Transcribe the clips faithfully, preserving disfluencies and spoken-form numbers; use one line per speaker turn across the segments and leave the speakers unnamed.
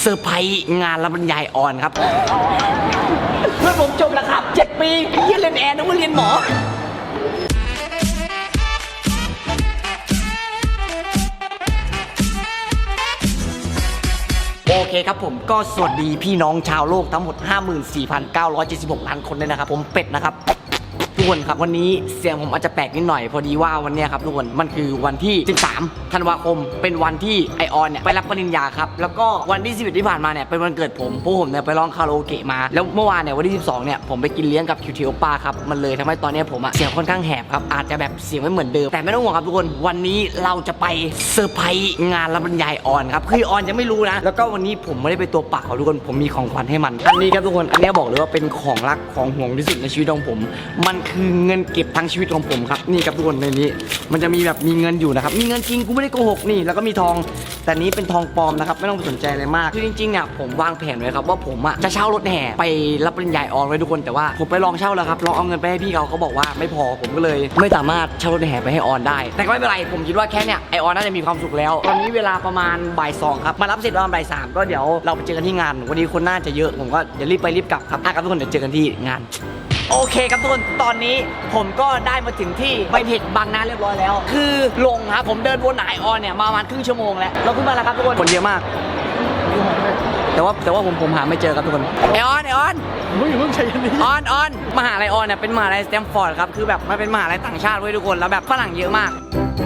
เซอร์ไพรส์งานรับปริญญาออนครับเพื่อนผมจบแล้วครับเจ็ดปีเรียนเรียนแอร์นึกว่าเรียนหมอโอเคครับผมก็สวัสดีพี่น้องชาวโลกทั้งหมด ห้าหมื่นสี่พันเก้าร้อยเจ็ดสิบหก ล้านคนเลยนะครับผมเป็ดนะครับทุกคนครับวันนี้เสียงผมอาจจะแปลกนิดหน่อยพอดีว่าวันนี้ครับทุกคนมันคือวันที่สิบสามธันวาคมเป็นวันที่ไอออนเนี่ยไปรับปริญญาครับแล้วก็วันที่สิบเอ็ดที่ผ่านมาเนี่ยเป็นวันเกิดผมพวกผมเนี่ยไปร้องคาราโอเกะมาแล้วเมื่อวานเนี่ยวันที่สิบสองเนี่ยผมไปกินเลี้ยงกับคิวทีโอป้าครับมันเลยทำให้ตอนนี้ผมอะเสียงค่อนข้างแหบครับอาจจะแบบเสียงไม่เหมือนเดิมแต่ไม่ต้องห่วงครับทุกคนวันนี้เราจะไปเซอร์ไพรส์งานรับปริญญาออนครับคือออนยังไม่รู้นะแล้วก็วันนี้ผมไม่ได้ไปตัวเปล่าทุกคนผมมีของขวัญให้มันอันนี้ครับทุกคนอันนี้บอกเลยว่าเป็นของรักของห่วงที่สุดในชีวิตของผมมันคือเงินเก็บทั้งชีวิตของผมครับนี่ครับทุกคนในนี้มันจะมีแบบมีเงินอยู่นะครับมีเงินจริงกูไม่ได้โกหกนี่แล้วก็มีทองแต่นี้เป็นทองปลอมนะครับไม่ต้องสนใจอะไรมากคือจริงๆเนี่ยผมวางแผนไว้ครับว่าผมอ่ะจะเช่ารถแห่ไปรับปริญญาออนไว้ทุกคนแต่ว่าผมไปลองเช่าแล้วครับลองเอาเงินไปให้พี่เขาเขาบอกว่าไม่พอผมก็เลยไม่สามารถเช่ารถแห่ไปให้ออนได้แต่ก็ไม่เป็นไรผมคิดว่าแค่เนี่ยไอออนน่าจะมีความสุขแล้วตอนนี้เวลาประมาณบ่ายสองครับมารับเสร็จประมาณบ่ายสามก็เดี๋ยวเราไปเจอกันที่งานวันนี้คนน่าจะเยอะผมก็เดี๋ยวรีบไปรีบกลับครับครับทุกคนเดี๋ยวเจอกันที่งานโอเคครับทุกคนตอนนี้ผมก็ได้มาถึงที่ไบเทคบางนาเรียบร้อยแล้วคือลงครับผมเดินวนหาไอออนเนี่ยมาประมาณครึ่งชั่วโมงแล้วเราขึ้นมาแล้วครับทุกคนคนเยอะมากแต่ว่าแต่ว่าผมผมหาไม่เจอครับทุกคนไอออนไอออนมึงอย่าเพิ่งใช้ยันนี้ออนออนมหาลัยออนเนี่ยเป็นมหาลัยสแตมฟอร์ดครับคือแบบมันเป็นมหาลัยต่างชาติเว้ยทุกคนแล้วแบบฝรั่งเยอะมาก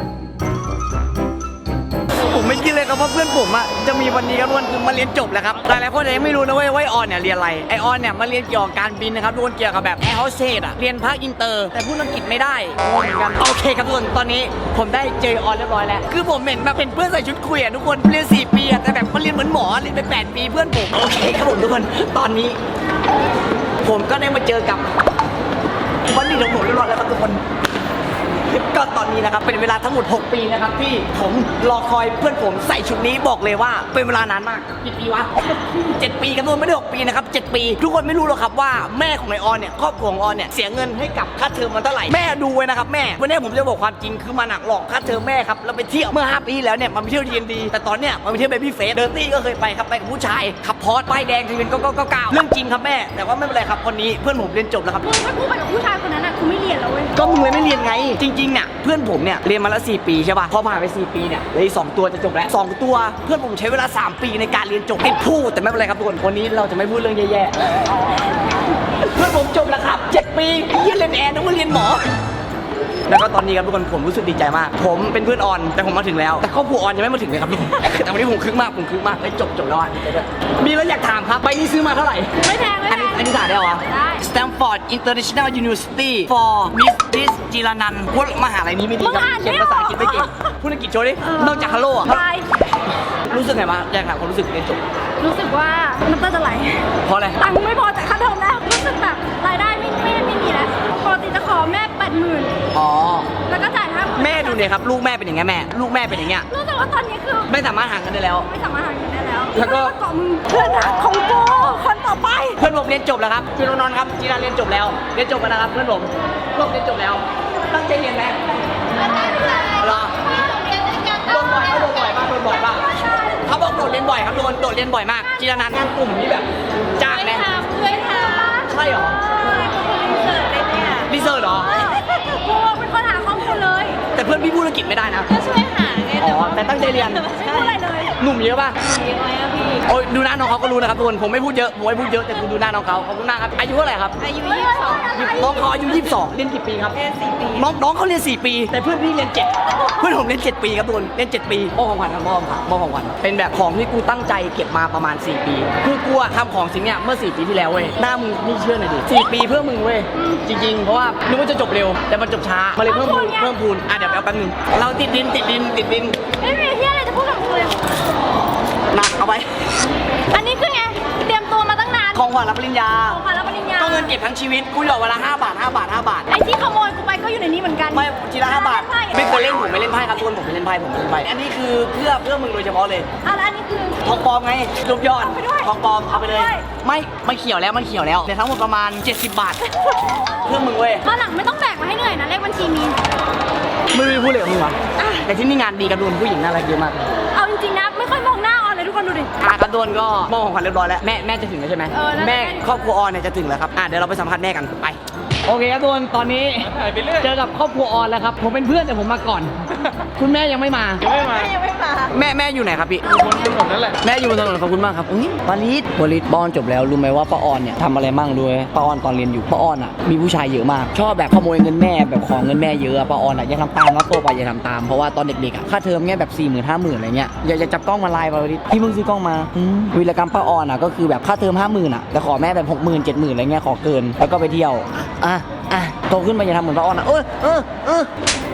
ผมไม่คิดเลยครับว่าเพื่อนผมอ่ะจะมีวันนี้ครับทุกคนคือมาเรียนจบแล้วครับหลายๆคนยังไม่รู้นะเว้ยว่าไอออนเนี่ยเรียนอะไรไอออนเนี่ยมาเรียนเกี่ยวกับการบินนะครับทุกคนเกี่ยวกับแบบแอร์โฮสเตสอ่ะเรียนภาคอินเตอร์แต่พูดอังกฤษไม่ได้เหมือนกันโอเคครับทุกคนตอนนี้ผมได้เจอออนเรียบร้อยแล้วคือผมเห็นแบบเป็นเพื่อนใส่ชุดคุยอ่ะทุกคนเรียนสี่ปีอ่ะแต่แบบมาเรียนเหมือนหมอเรียนไปแปดปีเพื่อนผมโอเคครับผมทุกคนตอนนี้ผมก็ได้มาเจอกับวันนี้ของผมเรียบร้อยแล้วครับทุกคนก็ตอนนี้นะครับเป็นเวลาทั้งหมดหกปีนะครับที่ผมรอคอยเพื่อนผมใส่ชุดนี้บอกเลยว่าเป็นเวลานานมากกี่ปีวะเจ็ดปีกันทุกคนไม่ได้หกปีนะครับเจ็ดปีทุกคนไม่รู้หรอกครับว่าแม่ของไอออนเนี่ยครอบครัวของออนเนี่ยเสียเงินให้กับค่าเทอมมันเท่าไหร่แม่ดูไว้นะครับแม่วันนี้ผมจะบอกความจริงคือมันหนักหลอกค่าเทอมแม่ครับเราไปเที่ยวเมื่อห้าปีแล้วเนี่ยมันไปเที่ยวทีเอ็นดีแต่ตอนเนี้ยมันไปเที่ยวเบบี้เฟสเดอร์ตี้ก็เคยไปครับไปกับผู้ชายขับพอร์ตป้ายแดงทะเบียนก็ก็ก็เก้าเรื่องจริงครับแม่แต่ว่าไม่เป็นไรครับคนนี้เพื่อนผมเรียนจบแล้วครับ
มึงถ้ากูไปกับผู้ชายคนนั้นอ่ะกูไม่เรียนแล้วเว้ย
ก็มึงเลยไม่เรียนไงจริงๆเนี่ยเพื่อนผมเนี่ยเรียนมาแล้วสี่ปีใช่ป่ะพอผ่านไปสี่ปีเนี่ยเลยสองตัวจะจบแล้วสองตัวเพื่อนผมใช้เวลาสามปีในการเรียนจบติดพูดแต่ไม่เป็นไรครับทุกคนวันนี้เราจะไม่พูดเรื่องแย่ๆเพื่อนผมจบแล้วครับเจ็ดปีเรียนเรียนแอร์นึกว่าเรียนหมอแล้วก็ตอนนี้ครับทุกคนผมรู้สึกดีใจมากผมเป็นเพื่อนออนแต่ผมมาถึงแล้วแต่ครอบครัวออนยังไม่มาถึงเลยครับทุกคนแต่วันนี้ผมคึกมากผมคึกมากได้จบจบแล้วอ่ะมีแล้วอยากถามครับใบนี้ซื้อมาเท่าไหร่
ไม่แพงไม่แพง
อันนี้ถ่ายได้เหรอได้ Stanford International University for Miss จิรนันท์พูดมหาลัยนี้ไม่ดีครับเขียนภาษาอังกฤษไม่เก่งพูดอังกฤษโชว์ดินอกจากฮัลโหลอ่ะรู้สึกไงบ้างอยากถามความรู้สึกเรียนจบ
รู้สึกว่าน้ำตาจะไหล
เพราะอะไร
ตังค์ไม่พอจ่ายค่าเทอมแล้วรู้สึกแบบรายได้ไม่ไม่ไม่มีแล้วปกติจะขอแม่แปดหมื่น
อ๋อ
แล้วก็จ่ายห้าหมื่น
แม่ดูเนี่ยครับลูกแม่เป็นอย่างเงี้ยแม่ลูกแม่เป็นอย่างเงี้ย
รู้แต่ว่าตอนนี้คือ
ไม่สามารถหาเงินได้แล้ว
ไม่สามารถหาเงินได้แล้ว
แล้วก็
เกาะมึงเพื่อนรักของกูคนต่อไป
เพื่อนผมเรียนจบแล้วครับพี่นนท์ครับจีราเรียนจบแล้วเรียนจบแล้วนะครับเพื่อนผมลูกเรียนจบแล้วตั้งใจเรียนไหมรอโดนบ่อยเขาโดนบ่อยมากโดนบ่อยมากเขาบอกโดดเรียนบ่อยครับโดนโดดเรียนบ่อยมากจีรานันท์งานกลุ่มนี้แบบจ้างไหม
เคยทำ
ใช่หรอรีเสิร์ชเหรอ
กูเป็นคนหาข้อมูลเลย
แต่เพื่อนพี่พูดอังกฤษไม่ได้นะ
ก็ช่วยหาไง
อ๋อแต่ตั้งใจเรียน
ไม่พูดอะไรเลย
หนุ่มเยอะป่ะ
เยอะไหมอะพี่
โอ้ยดูหน้าน้องเขาก็รู้นะครับทุกคนผมไม่พูดเยอะผมไม่พูดเยอะแต่คุณดูหน้าน้องเขาขอบคุณมากครับอายุเท่าไหร่ครับ
อายุยี่สิบสอง
น้องเขาอายุยี่สิบสองเรียนกี่ปีครับ
เรียนสี่ปี
น้องน้องเขาเรียนสี่ปีแต่เพื่อนพี่เรียนเจ็ดเพื่อนผมเรียนเจ็ดปีครับทุกคนเรียนเจ็ดปีมอของขวัญครับมอของขวัญมอของขวัญเป็นแบบของที่กูตั้งใจเก็บมาประมาณสี่ปีคือกูทำของสิ่งเนี้ยเมื่อสี่ปีที่แล้วเว้ยหน้ามึงนี่เชื่อหน่อยดิสี่ปีเพื่อมึงเว้ยจริงๆเพราะว่านึกว่าจะจบเร็วแต่มันจบช้ามาเลยเพิ่มพูนเพิ่มพูนอ่ะเดี๋ยวเอาแป๊บนึงเราติดดินติดดินติดดิน
ไม่มีที่อะไรจะพูดกับกูเลย
หนักเอาไป
อันนี้คือไงเตรียมตัวมาตั้งนาน
ของขวัญรับปริญญา
ของขวัญรับปริญญา
ก็เงินเก็บทั้งชีวิตกูหยอดวันละห้าบาทห้าบาทห้าบาท
ไอ้ที่ขโมยกูไปก็อยู่ในนี้เหมือนกัน
ไม่ทีละห้าบาทไม่เคยเล่นผมไม่เล่นไพ่ครับทุกคนผมไม่เล่นไพ่ผมไม่เล่นไพ่อันนี้คือเพื่อเพื่อมึงโดยเฉพาะเลย
อ่ะแล้วอันนี้คือ
ทองปลอมไงรูปยอดทองปลอมเอาไปเลยไม่มันเขียวแล้วมันเขียวแล้วในทั้งหมดประมาณเจ็ดสิบบาทเพื่อมึงเว้ย
ตอนหลังไม่ต้องแบกมาให้เหนื่อยนะเลขบัญชีมี
ไม่รู้พูดเลยกับมึงวะแต่ที่นี่งานดีกับดูผู้หญิงน่ารักเยอะมาก
เอาจริงๆนะไม่ค่อยมองหน้าออนเลยทุกคนดูดิ
อ่ะครับโดนก็มอบของขวัญเรียบร้อยแล้วแม่แม่จะถึงแล้วใช่ไหม
เออแล้ว
แม่ครอบครัวออนเนี่ยจะถึงแล้วครับอ่ะเดี๋ยวเราไปสัมภาษณ์แม่กันไปโอเคครับทุกคนตอนนี้เจอกับครอบครัวออนแล้วครับผมเป็นเพื่อนแต่ผมมาก่อน คุณแม่ยังไม่มา
ยังไม่มา
ยังไม่มา
แม่แม่อยู่ไหนครับพี่
บนถนนนั่นแหละ
แม่อยู่บนถนนขอบคุณมากครับอุ้ยวลิศวลิศป้าออนจบแล้วรู้ไหมว่าป้าออนเนี่ยทำอะไรมั่งด้วยป้าออนตอนเรียนอยู่ป้าออนอ่ะมีผู้ชายเยอะมากชอบแบบขโมยเงินแม่แบบของเงินแม่เยอะอะป้าออนอ่ะอย่าทำตามนะโตไปอย่าทำตามเพราะว่าตอนเด็กๆอ่ะค่าเทอมเงี้ยแบบสี่หมื่นห้าหมื่นอะไรเงี้ยอย่าอย่าจับกล้องมาไลน์วลิศพี่เพิ่งซื้อกล้องมาอืมวีรกรรมป้าออนอ่ะก็คือแบบค่าเทอมห้าหมื่นอ่ะแต่ขอแม่แบบหกหมื่นเจ็ดหมื่นอะไรเงี้ยขอเกินแล้วก็ไปเที่ยวอ่ะอ่ะโตขึ้นมาอย่าทำเหมือนป้าออนอ่ะเออเออเออ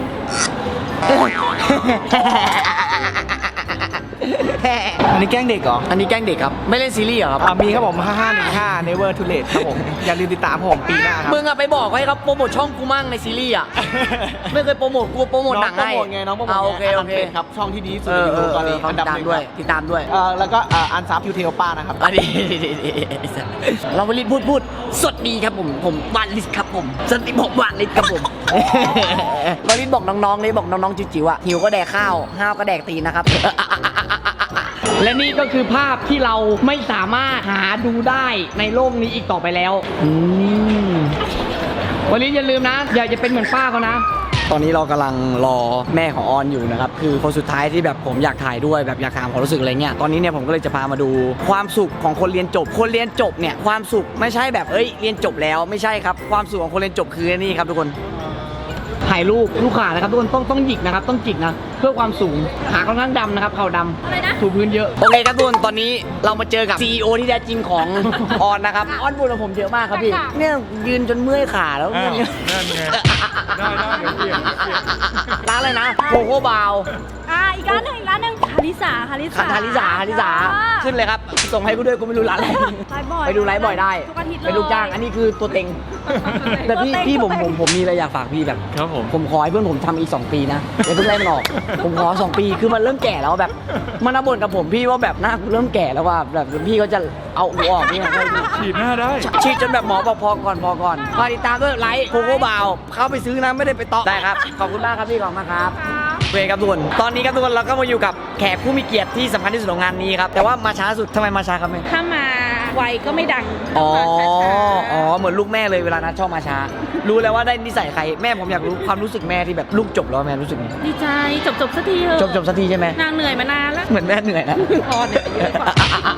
อันนี้แกล้งเด็กเหรอ
อันนี้แกล้งเด็กครับไม่เล่นซีรีส์เหรอครับ
อ่ามีครับผมห้าห้าหนึ่งห้า Never Too Late ครับผม อย่าลืมติดตามผมปีหน้าครับ
มึงอะไปบอกให้เขาโปรโมทช่องกูมั่งในซีรีส์อะ ไม่เคยโปรโมทกูโปรโมทหนัง
น้องโปร
ให้
โมทไงน้องโปรโมท
าโอเค
ไง
โอเค
นดับเป็นครับช่องที่ดีที่สุด
เอ
ใน
อ
ยู
เอ
ทูบ
อ
ตอนนี้
เขา
อันดับ
ตาม
หนึ่ง
ด้วย
ครับ
ติดตามด้วย
เอ่อแล้วก็อ่าอันซับยูเทลป้านะครับ
อันนี้เราไปรีบพูดพูดสวัสดีครับผมผมวานลิสครับผมสวัสดีผมวานลิสครับผม วานลิสบอกน้องๆเลยบอกน้องๆจิ๋วๆอะหิวก็แดกข้าวห้าวก็แดกตีนนะครับ และนี่ก็คือภาพที่เราไม่สามารถหาดูได้ในโลกนี้อีกต่อไปแล้วอืมวันนี้อย่าลืมนะ อย่าจะเป็นเหมือนป้าเขานะ ตอนนี้เรากำลังรอแม่ของออนอยู่นะครับ คือคนสุดท้ายที่แบบผมอยากถ่ายด้วยแบบอยากถามความรู้สึกอะไรเงี้ย ตอนนี้เนี่ยผมก็เลยจะพามาดูความสุขของคนเรียนจบ คนเรียนจบเนี่ยความสุขไม่ใช่แบบเอ้ยเรียนจบแล้วไม่ใช่ครับ ความสุขของคนเรียนจบคือนี่ครับทุกคน ถ่ายรูปลูกขานะครับทุกคนต้องต้องหยิกนะครับต้องจิกนะเพื่อความสูงขาค่อนข้างดำนะครับเข่าดำ
อะไรนะ
ถูพื้นเยอะโอเคครับทุกคนตอนนี้เรามาเจอกับ ซี อี โอ ที่แท้จริงของ ออนนะครับออนบุญกับผมเยอะมากครับพี่เนี่ยยืนจนเมื่อยขาแล้ว
อ้าว
เนี่ย
นั่นไงได้ได้เดี๋ยวเปลี่ยนเดี๋ยวเปลี่ยน
ร้านอะไรนะโคโค่บาว
อ่าอีกร้านหนึ่งอีกร้านหนึ่งคาริสาคาริสา
คาริสาคาริสาขึ้นเลยครับส่งให้กูด้วยกูไม่รู้ร้านอะไร
ไลฟ์บ่อย
ไปดูไลฟ์บ่อยได้
ทุกอาทิตย์เลย
เป็นลูกจ้างอันนี้คือตัวเต็งแต่พี่
ตัวเต็ง
พี่ผม
ตัวเต็
ผ
ง
มผมมีอะไรอยากฝากพี่แบบ
ครับผม
ผมขอให้เพื่อนผมทำอีกสองปีนะอย่าเพิ่งไล่มันออก ผมขอสองปีคือมันเริ่มแก่แล้วแบบมันมาบ่นกับผมพี่ว่าแบบหน้ากูเริ่มแก่แล้วว่าแบบพี่เขาจะเอาอูออกนี่ไง
ฉีดหน้าได้
ฉีดจนแบบหมอบอกพอก่อนพอก่อนพอติดตามด้วยไลฟ์โคโค่บาวเข้าไปซื้อนะไม่ได้ไปต่อได้ครับขอบคุณมากครับพี่ขอบคุณมากครับโอเคครับทุกคนตอนนี้ครับทุกคนเราก็มาอยู่กับแขกผู้มีเกียรติที่สำคัญที่สุดของงานนี้ครับแต่ว่ามาช้าสุดทำไมมาช้าครับแม่
ถ้ามาไวก็ไม่ดัง
อ๋อ
ต้องมาช้าๆ
อ๋อ เหมือนลูกแม่เลยเวลานัดชอบมาช้า รู้แล้วว่าได้นิสัยใคร แม่ผมอยากรู้ความรู้สึกแม่ที่แบบลูกจบแล้วแม่รู้สึกไง
ดีใจจบจบสักทีเถอะ
จบจบสักทีใช่ไหม
นางเหนื่อยมานานแล้ว
เหมือนแม่เหนื่อยนะ
พอเนี่ยเยอะกว่า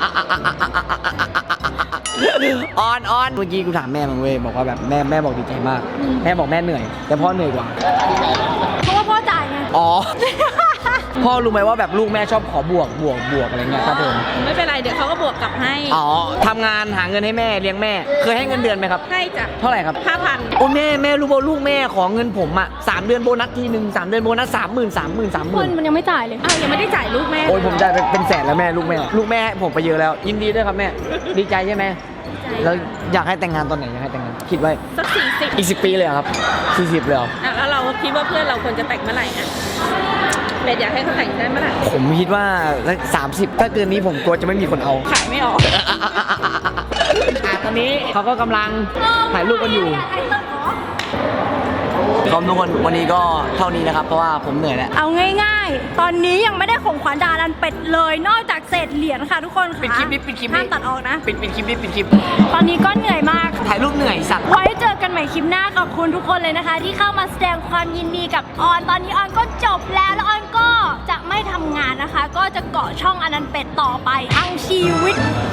ออนออนเมื่อกี้กูถามแม่มันเว้ยบอกว่าแบบแม่แม่บอกดีใจมาก แม่บอกแม่เหนื่อย แต่พ่อเหนื่อยกว่า
เพราะว่าพ่อจ่ายไง
อ๋อ พ่อรู้ไหมว่าแบบลูกแม่ชอบขอบวกบวกบวกอะไรเงี้ยครับผม
ไม่เป็นไรเดี๋ยวเขาก็บวกกลับให้
อ๋อทำงานหาเงินให้แม่เลี้ยงแม่ เคยให้เงินเดือนไหมครับ
ให้จ้ะ
เท่าไหร่ครับ
ห้าพัน
โอ้แม่แม่รู้ป่าลูกแม่ขอเงินผมอ่ะสามเดือนโบนัสทีหนึ่งสามเดือนโบนัสสามหมื่นสามหมื่นสามห
ค
มื่
น
น
มันยังไม่จ่ายเลยอ้าวยังไม่ได้จ่ายลูกแม่
โอ้ยผมจ่ายไปเป็นแสนแล้วแม่ลูกแม่ ลูกแม่ให้ผมไปเยอะแล้ว ยินดีด้วยครับแม่ ดีใจใช่ไหมแล้วอยากให้แต่งงานตอนไหนอยากให้แต่งงานคิดไว้
สักสี่สิบ
อีกสิบปีเลยเหรอครับสี่สิบเลยเหรอ
อ่ะแล้วเราคิดว่าเพื่อนเราควรจะแต่งเมื่อไหร่อ่ะเบสอยากให้เขาแต่งได้เมื่อไหร่
ผมคิดว่าสามสิบถ้าเกินนี้ผมกลัวจะไม่มีคนเอา
ขายไม่ออก
อ่ะตอนนี้เขาก็กำลังถ่ายรูปกันอยู่ก็ทุกคนวันนี้ก็เท่านี้นะครับ เพราะว่าผมเหนื่อยแล้ว
เอาง่ายๆ ตอนนี้ยังไม่ได้ของขวัญดารันเป็ดเลย นอกจากเศษเหรียญค่ะทุกคนค่ะ
ปิดคลิปนี้ปิดคลิป
ห้า
นี้
มตัดออกนะ
ปิดปิดคลิปนี้ปิดคลิป
ตอนนี้ก็เหนื่อยมาก
ถ่ายรูปเหนื่อยสัตว์
ไว้เจอกันใหม่คลิปหน้าขอบคุณทุกคนเลยนะคะ ที่เข้ามาแสดงความยินดีกับออน ตอนนี้ออนก็จบแล้วแล้วออนก็จะไม่ทำงานนะคะ ก็จะเกาะช่องอนันต์เป็ดต่อไปทั้งชีวิต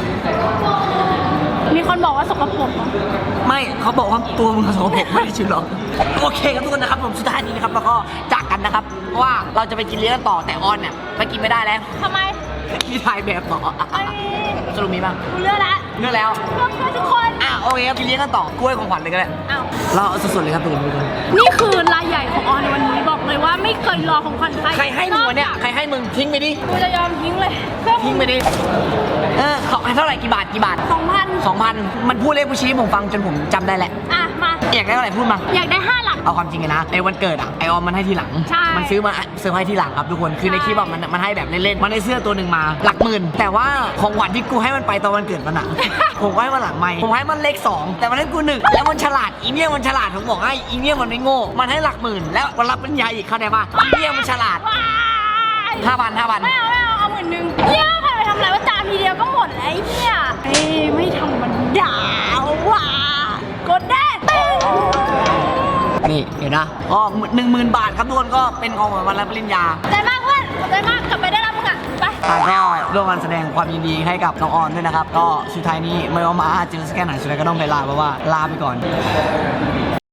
มีคนบอกว่าสกปรกเหรอ
ไม่เขาบอกว่าตัวมึงสกปรกไม่ได้ชื่อหรอกโอเคครับทุกคนนะครับผมสุดท้ายนี้นะครับแล้วก็จากกันนะครับเพราะว่าเราจะไปกินเลี้ยงกันต่อแต่ออนเนี่ยไปกินไม่ได้แล้ว
ทำไม
มีถ่ายแบบต่อ
ไอ้
สรุปมีบ้าง
กูเลือกละ
เลือกแล้ว
เลือกเพื่อนทุกคน
อ่ะโอเคครับกินเลี้ยงกันต่อกล้วยของขวัญเลยก็ได้
อ้าว
เราเอาสดๆเลยครับทุกคนทุกคน
นี่คือรายใหญ่ของออนในวันนี้บอกเลยว่าไม่เคยรอของขวัญใคร
ใครให้มึงวะเนี่ยใครให้มึงทิ้งไปดิ
กูจะยอมทิ้งเลยเพื่อ
ทิ้งไปดิเออเขาให้เท่าไหร่กี่บาทกี่บาท
สองพัน
สองพันมันพูดเลขบัญชีให้ผมฟังจนผมจำได้แหละ
อ่ะมา
อยากได้เท่าไหร่พูดมา
อยากได้ห้าหลัก
เอาความจริงเลยนะไอ้วันเกิดอ่ะไอออมมันให้ทีหลัง
ใช่
มันซื้อมาเซอร์ไพรส์ทีหลังครับทุกคนคือในคลิปอะมันมันให้แบบเล่นๆมันได้เสื้อตัวหนึ่งมาหลักหมื่นแต่ว่าของขวัญที่กูให้มันไปตอนวันเกิดมันอ่ะ ผมให้มันหลังไม่ผมให้มันเลขสองแต่มันให้กูหนึ่งแล้วมันฉลาดอีเนี่ยมันฉลาดผมบอกให้อีเนี่ยมันไม่โง่มันให้หลักหมื่นแล้ววันรับปริญญาอีกเข้าใจป่ะอีเนี่ยมันฉลาด
ว้าย
ห้าพันห้าพัน
ไม่เอาไม่เอาเอาหมื่นหนึ่งเนี่ยพาไปทำอะไรว่าจานทีเดียวก็หมดแล้วไอ้เนี่ยเอ้ยไม่ธรรมดาว่ะกดได้ตึ้ง
นี่เห็นนะก็หนึ่งหมื่นบาทครับทุกคนก็เป็นของขวัญวันรับปริญญา
ขอบใจมากเพื่อนขอบใจมากกลับไปได้แล้วมึงอ่ะไป
อ่ะก็ร่วมกันแสดงความยินดีให้กับน้องออนด้วยนะครับ ก็สุดท้ายนี้ไม่ว่ามาอาจจะสแกนหนังสุดท้ายก็ต้องไปลาเพราะว่าลาไปก่อน